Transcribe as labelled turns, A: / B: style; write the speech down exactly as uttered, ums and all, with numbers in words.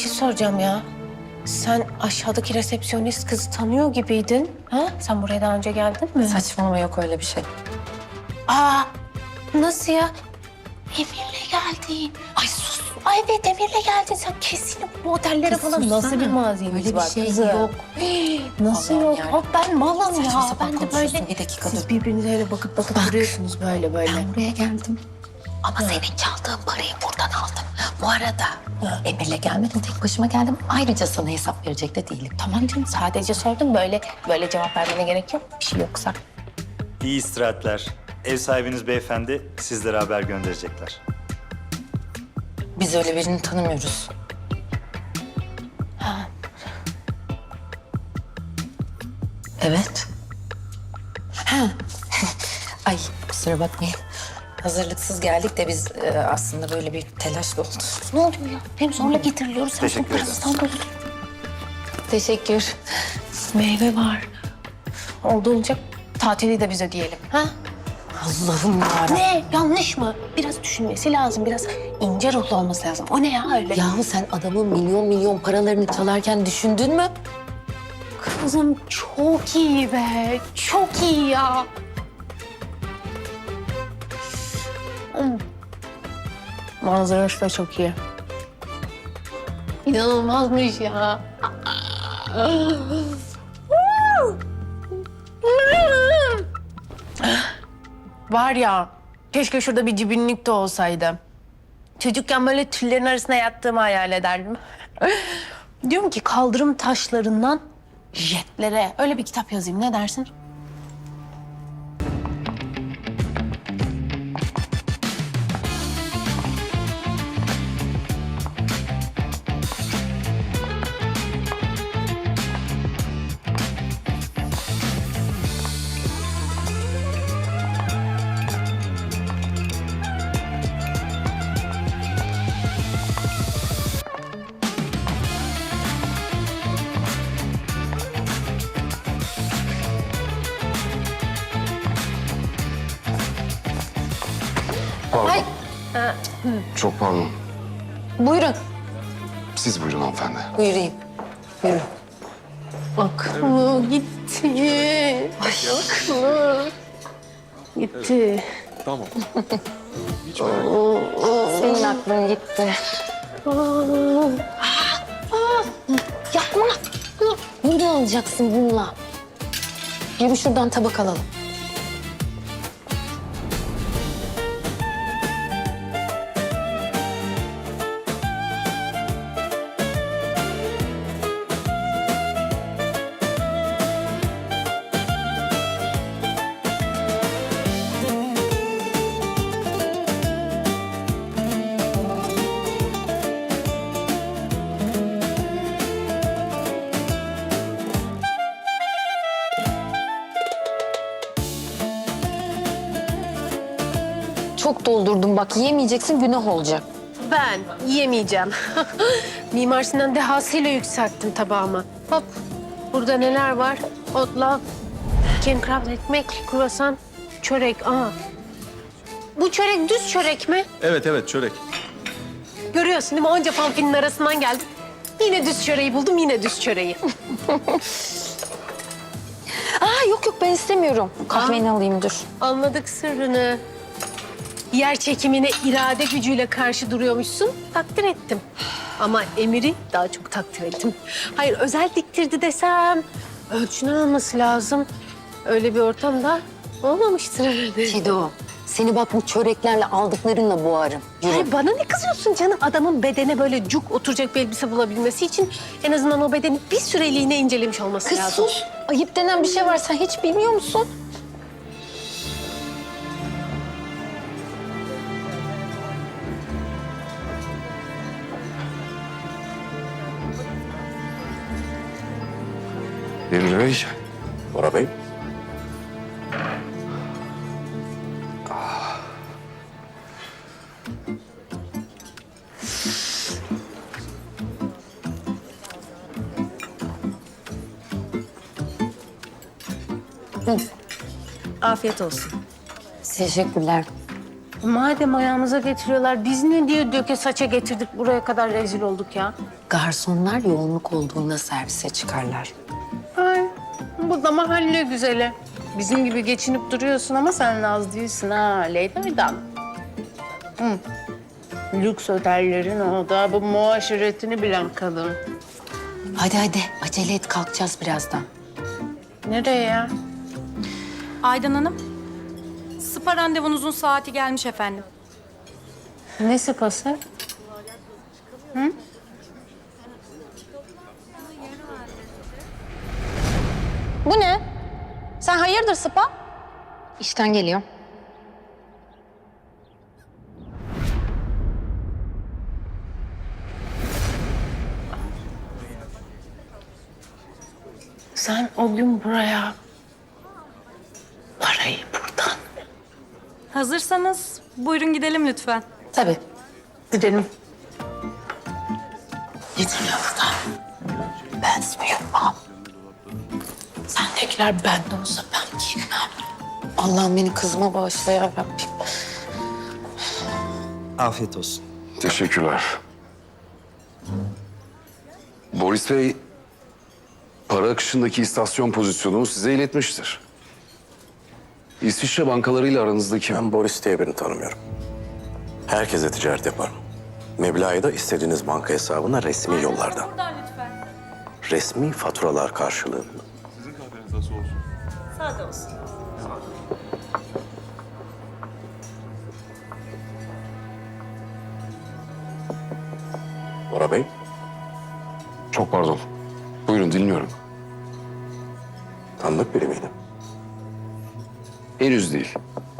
A: şey soracağım ya. Sen aşağıdaki resepsiyonist kızı tanıyor gibiydin. Ha? Sen buraya daha önce geldin mi?
B: Saçmalama, yok öyle bir şey.
A: Aa, nasıl ya? Emir'le geldin. Ay sus. Ay evet, Emir'le geldin. Sen kesin bu otellere
B: Kız
A: falan
B: sussana.
A: nasıl bir mazimiz
B: Öyle bir
A: var
B: şey
A: kızım?
B: yok.
A: Hii, nasıl
B: Allah'ım
A: yok?
B: yani.
A: Hop ben malım
B: Saçma
A: ya.
B: sapan
A: Ben de
B: konuşuyorsun.
A: böyle.
B: Bir dakika
A: Siz
B: dur.
A: birbirinize öyle bakıp bakıp
B: Bak.
A: duruyorsunuz böyle böyle.
B: Ben buraya geldim. Ama senin çaldığın parayı buradan aldım. Bu arada Emir'le gelmedim, tek başıma geldim. Ayrıca sana hesap verecek de değilim.
A: Tamam canım, sadece sordum, böyle böyle cevap vermene gerek yok. Bir şey yoksa.
C: İyi istirahatler. Ev sahibiniz beyefendi sizlere haber gönderecekler.
B: Biz öyle birini tanımıyoruz.
A: Ha.
B: Evet. Ha. Ay kusura bakmayın. Hazırlıksız geldik de biz e, aslında böyle bir telaşla oldu.
A: Ne oluyor ya? Hem zorla getiriliyoruz. Sen
C: Teşekkür
A: bu
C: ederim.
A: İstanbul.
B: Teşekkür.
A: Meyve var. Oldu olacak. Tatili de biz ödeyelim. Ha?
B: Allah'ım yarabbim.
A: Ne? Yanlış mı? Biraz düşünmesi lazım. Biraz ince ruhlu olması lazım. O ne ya öyle?
B: Yahu sen adamın milyon milyon paralarını çalarken düşündün mü?
A: Kızım çok iyi be. Çok iyi ya. Hmm. Manzarası da çok iyi. İnanılmazmış ya. Var ya, keşke şurada bir cibinlik de olsaydı. Çocukken böyle tüllerin arasına yattığımı hayal ederdim. Diyorum ki kaldırım taşlarından jetlere öyle bir kitap yazayım, ne dersin?
D: Pardon.
B: Ay.
D: Çok pardon.
B: Buyurun.
D: Siz buyurun hanımefendi.
B: Buyurayım. Buyurun.
A: Aklı gitti. Aklı gitti.
B: Senin aklın gitti. Yapma. Bunu alacaksın bununla. Yürü şuradan tabak alalım. Çok doldurdum bak, yiyemeyeceksin, günah olacak.
A: Ben yiyemeyeceğim. Mimar Sinan dehasıyla yükselttim tabağımı. Hop, burada neler var? Otla, kemkrat ekmek, kruvasan, çörek. Aa. Bu çörek düz çörek mi?
E: Evet evet çörek.
A: Görüyorsun değil mi? Onca fanfinin arasından geldim. Yine düz çöreği buldum, yine düz çöreği.
B: Aa yok yok, ben istemiyorum. Kahveni alayım, dur.
A: Anladık sırrını. Yer çekimine irade gücüyle karşı duruyormuşsun. Takdir ettim. Ama Emir'i daha çok takdir ettim. Hayır, özel diktirdi desem ölçünü alması lazım. Öyle bir ortamda olmamıştır herhalde.
B: Fido, seni bak bu çöreklerle aldıklarınla boğarım. Yürü.
A: Ay, bana ne kızıyorsun canım? Adamın bedene böyle cuk oturacak bir elbise bulabilmesi için en azından o bedeni bir süreliğine incelemiş olması
B: Kız
A: lazım.
B: sus. Ayıp denen bir şey var, sen hiç bilmiyor musun?
D: Emre Bey. Bora Bey.
A: Afiyet olsun.
B: Teşekkürler.
A: Madem ayağımıza getiriyorlar, biz ne diye döke saça getirdik buraya kadar rezil olduk ya.
B: Garsonlar yoğunluk olduğunda servise çıkarlar.
A: Ay, bu da mahalle güzeli. Bizim gibi geçinip duruyorsun ama sen az değilsin ha Leyda'dan. Hı. Lüks otellerin o da bu muaşiretini bilen kadın.
B: Hadi hadi acele et kalkacağız birazdan.
A: Nereye ya?
E: Aydan Hanım, spa randevunuzun saati gelmiş efendim.
A: Ne sıpası?
E: Bu ne? Sen hayırdır spa?
B: İşten geliyor.
A: Sen o gün buraya parayı buradan.
E: Hazırsanız buyurun gidelim lütfen.
B: Tabii.
A: Gidelim.
B: Gidin yolda. Ben uyumam. Sendekiler bende olsa ben giymem. Allah'ım beni kızıma bağışla ya Rabbim.
C: Afiyet olsun.
D: Teşekkürler. Boris Bey, para akışındaki istasyon pozisyonumu size iletmiştir. İsviçre bankalarıyla aranızdaki...
F: Ben Boris diye birini tanımıyorum. Herkese ticaret yaparım. Meblağı da istediğiniz banka hesabına resmi yollardan.
E: Buradan lütfen.
F: Resmi faturalar karşılığında.
E: Sade olsun.
F: Bora Bey,
D: Çok pardon. Buyurun dinliyorum.
F: tanıdık biri miydi?
D: Henüz değil.